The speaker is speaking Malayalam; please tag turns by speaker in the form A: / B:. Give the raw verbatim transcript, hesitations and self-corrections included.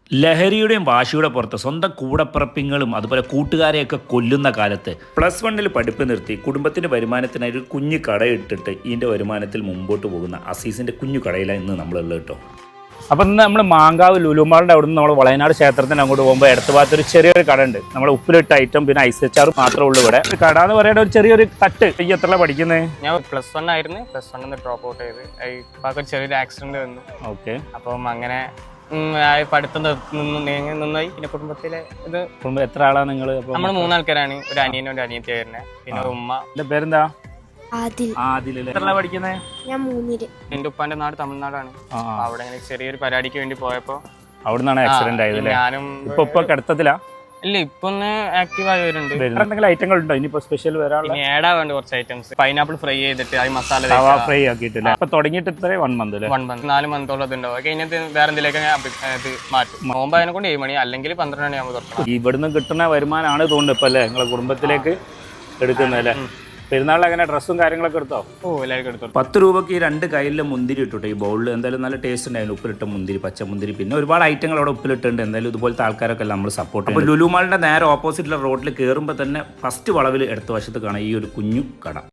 A: ലഹരിയുടെയും വാശിയുടെ പുറത്ത് സ്വന്തം കൂടപ്പിറപ്പിങ്ങളും അതുപോലെ കൂട്ടുകാരെയൊക്കെ കൊല്ലുന്ന കാലത്ത് പ്ലസ് വണ്ണിൽ പഠിപ്പ് നിർത്തി കുടുംബത്തിൻ്റെ വരുമാനത്തിനായി ഒരു കുഞ്ഞു കടയിട്ടിട്ട് ഇതിൻ്റെ വരുമാനത്തിൽ മുമ്പോട്ട് പോകുന്ന അസീസിൻ്റെ കുഞ്ഞു കടയിലാണ് ഇന്ന് നമ്മളുള്ളത് കേട്ടോ. അപ്പം ഇന്ന് നമ്മൾ മാങ്കാവ് ലുലുമാളിൻ്റെ അവിടെ നിന്ന് നമ്മൾ വളയനാട് ക്ഷേത്രത്തിന് അങ്ങോട്ട് പോകുമ്പോൾ അടുത്ത ഭാഗത്ത് ഒരു ചെറിയൊരു കട ഉണ്ട്. നമ്മൾ ഉപ്പിലിട്ട ഐറ്റം പിന്നെ ഐസ് അച്ചാർ മാത്രമേ ഉള്ളൂ ഇവിടെ. ഒരു കട എന്ന് പറയുന്ന ഒരു ചെറിയൊരു തട്ട്. ഈ എത്ര പഠിക്കുന്നത്?
B: ഞാൻ പ്ലസ് വൺ ആയിരുന്നു. പ്ലസ് വണ്ണിൽ നിന്ന് ഡ്രോപ്പ് ഔട്ട് ചെയ്ത് ഇപ്പം ഒരു ചെറിയൊരു ആക്സിഡന്റ് വന്നു.
A: ഓക്കെ.
B: അപ്പം അങ്ങനെ പഠിത്തം നിന്ന് നീങ്ങി നിന്നായി. പിന്നെ കുടുംബത്തിലെ ഇത്
A: കുടുംബം എത്ര ആളാണ് നിങ്ങൾ?
B: നമ്മൾ മൂന്നാൾക്കാരാണ്. ഒരു അനിയനും ഒരു അനിയത്തി വരുന്നത്. പിന്നെ ഉമ്മ.
A: എൻ്റെ പേരെന്താ?
B: എന്റെ ഉപ്പാന്റെ നാട് തമിഴ്നാടാണ്. അവിടെ ചെറിയൊരു പരിപാടിക്ക് വേണ്ടി പോയപ്പോ
A: അവിടുന്നാണ് ആക്സിഡന്റ് ആയത്.
B: ഞാനും
A: ഇപ്പൊ ഇപ്പൊ കിടത്തത്തിലാ?
B: ഇല്ല, ഇപ്പൊ ഒന്ന് ആക്റ്റീവ് ആയി വരുന്നുണ്ട്.
A: എന്തെങ്കിലും ഐറ്റങ്ങൾ ഉണ്ടോ ഇനിയിപ്പോ സ്പെഷ്യൽ വരാനുള്ള?
B: ഏടാ വേണ്ട കുറച്ച് ഐറ്റംസ്. പൈനാപ്പിൾ ഫ്രൈ ചെയ്തിട്ട് അത് മസാല
A: ഫ്രൈ ആക്കിയിട്ടില്ല. അപ്പൊ തുടങ്ങിയിട്ട് ഇത്ര വൺ മന്ത്
B: വൺ മന്ത് നാല് മന്തോളം അത് ഉണ്ടാവും. കഴിഞ്ഞിട്ട് വേറെ എന്തെങ്കിലുമൊക്കെ ഇത് മാറ്റും. നോമ്പ് അതിനെ കൊണ്ട് ഏഴ് മണി അല്ലെങ്കിൽ പന്ത്രണ്ട് മണിയാകുമ്പോൾ തുറക്കണം.
A: ഇവിടുന്ന് കിട്ടുന്ന വരുമാനമാണ് തോന്നുന്നു ഇപ്പൊ അല്ലേ നിങ്ങളെ കുടുംബത്തിലേക്ക് എടുക്കുന്നല്ലേ? പെരുന്നാളിൽ അങ്ങനെ ഡ്രസ്സും കാര്യങ്ങളൊക്കെ എടുത്തോ?
B: ഓ, എല്ലാവർക്കും എടുത്തു.
A: പത്ത് രൂപയ്ക്ക് ഈ രണ്ട് കയ്യിലെ മുന്തിരി ഇട്ടു ഈ ബൗളിൽ. എന്തായാലും നല്ല ടേസ്റ്റ് ഉണ്ടായിരുന്നു. ഉപ്പിലിട്ട മുന്തിരി, പച്ച മുന്തിരി, പിന്നെ ഒരുപാട് ഐറ്റങ്ങൾ അവിടെ ഉപ്പിലിട്ടുണ്ട്. എന്തായാലും ഇതുപോലത്തെ ആൾക്കാരൊക്കെ നമ്മൾ സപ്പോർട്ട് ചെയ്യും. അപ്പോൾ ലുലുമാളിൻ്റെ നേരെ ഓപ്പോസിറ്റുള്ള റോഡിൽ കയറുമ്പോൾ തന്നെ ഫസ്റ്റ് വളവിൽ ഇടത്ത വശത്ത് കാണാം ഈ ഒരു കുഞ്ഞു കട.